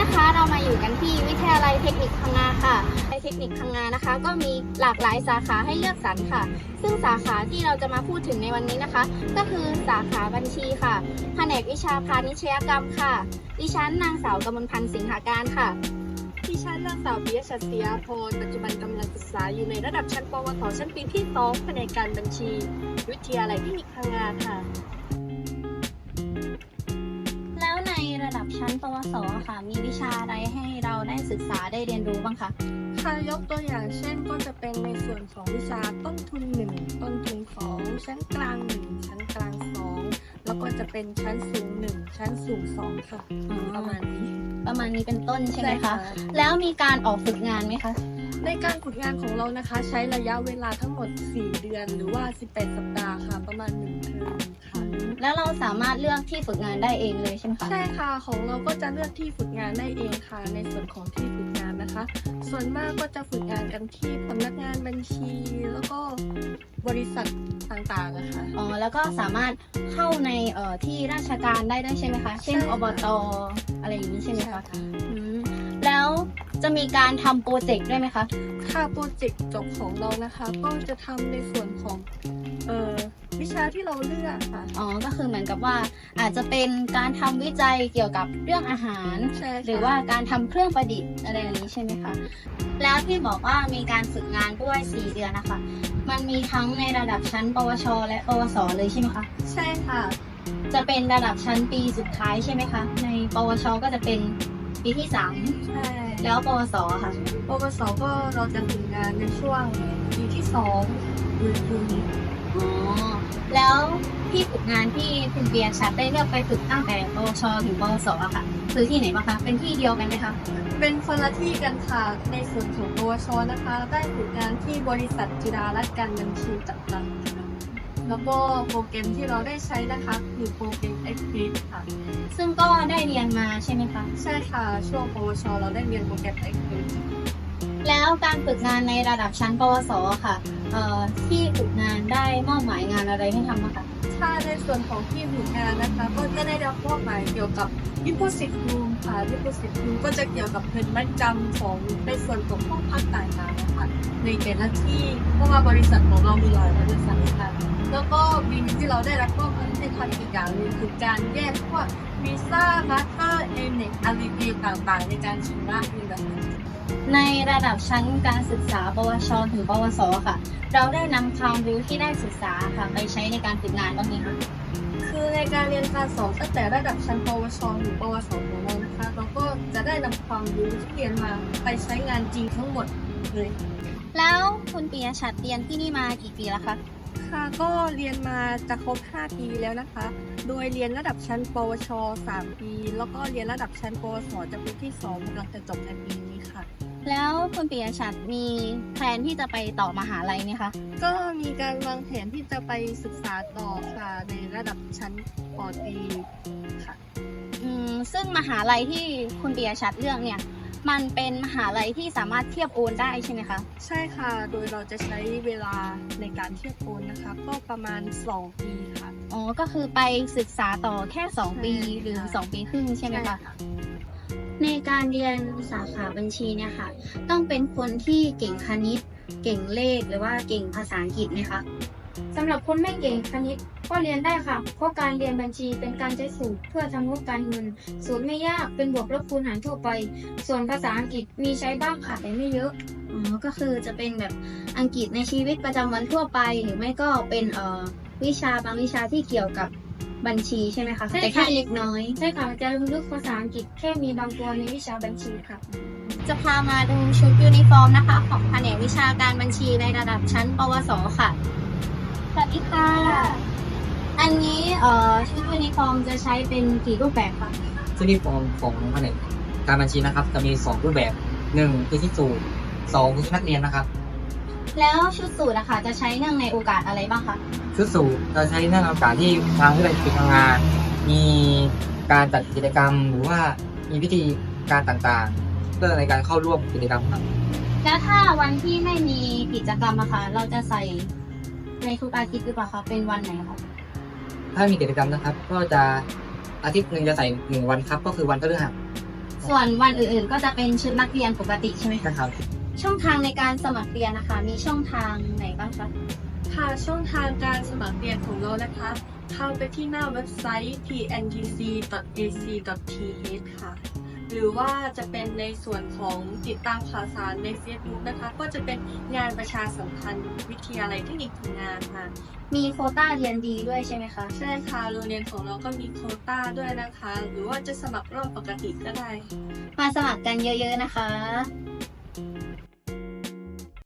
นะคะเรามาอยู่กันที่วิทยาลัยเทคนิคพังงาค่ะในเทคนิคพังงานะคะก็มีหลากหลายสาขาให้เลือกสรรค่ะซึ่งสาขาที่เราจะมาพูดถึงในวันนี้นะคะก็คือสาขาบัญชีค่ะแผนกวิชาพาณิชยกรรมค่ะดิฉันนางสาวกมลพันธ์สิงหาการค่ะดิฉันนางสาวปิยะชัดศรีอาภรณ์ปัจจุบันกำลังศึกษาอยู่ในระดับชั้นปวสชั้นปีที่2แผนกการบัญชี วิทยาลัยเทคนิคพังงาค่ะแล้วในระดับชั้นปวสค่ะมีวิชาอะไรให้เราได้ศึกษาได้เรียนรู้บ้างคะค่ะยกตัวอย่างเช่นก็จะเป็นในส่วนของวิชาต้นทุน1ต้นทุน2ชั้นกลาง1ชั้นกลาง2แล้วก็จะเป็นชั้นสูง1ชั้นสูง2ค่ะประมาณนี้เป็นต้นใช่ไหมใช่คะค่ะแล้วมีการออกฝึกงานไหมคะในการฝึกงานของเรานะคะใช้ระยะเวลาทั้งหมด4เดือนหรือว่า18สัปดาห์ค่ะประมาณ1เทอมค่ะแล้วเราสามารถเลือกที่ฝึกงานได้เองเลยใช่ไหมคะใช่ค่ะของเราก็จะเลือกที่ฝึกงานได้เองค่ะในส่วนของที่ฝึกงานนะคะ ส่วนมากก็จะฝึกงานกันที่สำนักงานบัญชีแล้วก็บริษัทต่างๆนะคะอ๋อแล้วก็สามารถเข้าในที่ราชการได้ด้วยใช่ไหมคะ เช่นใช่อบตอะไรอย่างนี้ใช่ไหมใช่คะค่ะอืมแล้วจะมีการทำโปรเจกต์ด้วยไหมคะค่าโปรเจกต์จบของเรานะคะ ก็จะทำในส่วนของวิชาที่เราเลือกค่ะอ๋อก็คือเหมือนกับว่าอาจจะเป็นการทำวิจัยเกี่ยวกับเรื่องอาหารใช่ค่ะหรือว่าการทำเครื่องประดิษฐ์อะไรอย่างนี้ใช่ไหมคะแล้วที่บอกว่ามีการฝึกงานด้วย4เดือนนะคะมันมีทั้งในระดับชั้นปวช และปวสเลยใช่ไหมคะใช่ค่ะจะเป็นระดับชั้นปีสุดท้ายใช่ไหมคะ ในปวช ก็จะเป็นปีที่ใช่ 3 แล้วปวสค่ะปวสก็เราจะฝึกงานในช่วงปีที่2หรือปีนี้อ๋อ แล้วที่ฝึกงานที่คุณเบียร์ชัดได้เลือกไปฝึกตั้งแต่ปวช ถึงปวสอะค่ะ คือที่ไหนบ้างคะ เป็นที่เดียวกันไหมคะเป็นคนละที่กันค่ะในส่วนของปวชนะคะ ได้ฝึกงานที่บริษัทจิรารัตน์การบัญชีจำกัดค่ะแล้วก็โปรแกรมที่เราได้ใช้นะคะคือโปรแกรม Access ค่ะซึ่งก็ได้เรียนมาใช่ไหมคะใช่ค่ะช่วงปวชเราได้เรียนโปรแกรม Access แล้วการฝึกงานในระดับชั้นปวสค่ะที่ฝึกงานได้มอบหมายงานอะไรให้ทำบ้างคะถ้าในส่วนของที่ฝึกงานนะคะ ก็จะได้รับมอบหมายเกี่ยวกับ Deposit Room ค่ะ Deposit Room ก็จะเกี่ยวกับเงินมัดจำของในส่วนของห้องพักต่างๆนะคะในแต่ละที่เพราะว่าบริษัทของเรามีหลายบริษัทค่ะแล้วก็ปีนี้ที่เราได้รับมอบหมายให้ทำอีกอย่างหนึงคือการแยกพวกวีซ่ามาสเตอร์เอเน็กอารีเต่างๆ ในการชำระเงินแบบนี้ในระดับชั้นการศึกษาปวช ถึงปวสค่ะ เราได้นำความรู้ที่ได้ศึกษาค่ะไปใช้ในการฝึกงานบ้างไหมคะคือในการเรียนการสอนตั้งแต่ระดับชั้นปวชหรือปวสของเรานะคะเราก็จะได้นำความรู้ที่เรียนมาไปใช้งานจริงทั้งหมดเลยแล้วคุณปียชัดเรียนที่นี่มากี่ปีแล้วคะค่ะก็เรียนมาจะครบ5 ปีแล้วนะคะ โดยเรียนระดับชั้นปวช3 ปีแล้วก็เรียนระดับชั้นปวสจะปีที่2กำลังจะจบในปีนี้ค่ะแล้วคุณปียชัดมีแพลนที่จะไปต่อมหาลัยไหมคะก็มีการวางแผนที่จะไปศึกษาต่อค่ะในระดับชั้นปตรีค่ะซึ่งมหาลัยที่คุณปียชัดเลือกเนี่ยมันเป็นมหาลัยที่สามารถเทียบโอนได้ใช่ไหมคะใช่ค่ะ โดยเราจะใช้เวลาในการเทียบโอนนะคะ ก็ประมาณ2 ปีค่ะอ๋อ ก็คือไปศึกษาต่อแค่ 2 ปีใช่หรือค่ะ 2 ปีครึ่งใช่ไหมคะ ในการเรียนสาขาบัญชีเนี่ยค่ะ ต้องเป็นคนที่เก่งคณิต เก่งเลขหรือว่าเก่งภาษาอังกฤษไหมคะสำหรับคนไม่เก่งคณิตก็เรียนได้ค่ะ เพราะการเรียนบัญชีเป็นการใช้สูตรเพื่อทำงบการเงิน สูตรไม่ยากเป็นบวกลบคูณหารทั่วไป ส่วนภาษาอังกฤษมีใช้บ้างค่ะแต่ไม่เยอะอ๋อ ก็คือจะเป็นแบบอังกฤษในชีวิตประจำวันทั่วไป หรือไม่ก็เป็นวิชาบางวิชาที่เกี่ยวกับบัญชีใช่ไหมคะใช่ค่ะแต่แค่เล็กน้อยใช่ค่ะจะลึกภาษาอังกฤษแค่มีบางตัวในวิชาบัญชีค่ะจะพามาดูชุดยูนิฟอร์มนะคะ ของแผนกวิชาการบัญชีในระดับชั้นปวสค่ะ สวัสดีค่ะ อันนี้ชุดยูนิฟอร์มจะใช้เป็นกี่รูปแบบคะซึ่งที่ฟอร์มของแผนกการบัญชีนะครับจะมี2รูปแบบ1คือที่สูตร2คือชุดนักเรียนนะครับแล้วชุดสูทอะค่ะจะใช้เนื่องในโอกาสอะไรบ้างคะชุดสูตรจะใช้ในโอกาสที่ทางวิทยาลัยฝึกงาน มีการจัดกิจกรรม หรือว่ามีพิธีการต่างๆ เพื่อในการเข้าร่วมกิจกรรมครับแล้วถ้าวันที่ไม่มีกิจกรรมอะค่ะเราจะใส่ในทุกอาทิตย์หรือเปล่าคะเป็นวันไหนคะถ้ามีกิจกรรมนะครับ ก็จะอาทิตย์หนึ่งจะใส่1 วันครับ ก็คือวันพฤหัสส่วนวันอื่นๆ ก็จะเป็นชุดนักเรียนปกติใช่ไหมคะนะครับช่องทางในการสมัครเรียนนะคะ มีช่องทางไหนบ้างคะค่ะช่องทางการสมัครเรียนของเรานะคะ เข้าไปที่หน้าเว็บไซต์ pntc.ac.th ค่ะ หรือว่าจะเป็นในส่วนของติดตามข่าวสารใน Facebook นะคะ ก็จะเป็นงานประชาสัมพันธ์วิทยาลัยเทคนิคพังงาค่ะมีโควต้าเรียนดีด้วยใช่ไหมคะใช่ค่ะโรงเรียนของเราก็มีโควต้าด้วยนะคะ หรือว่าจะสมัครรอบปกติก็ได้มาสมัครกันเยอะๆนะคะ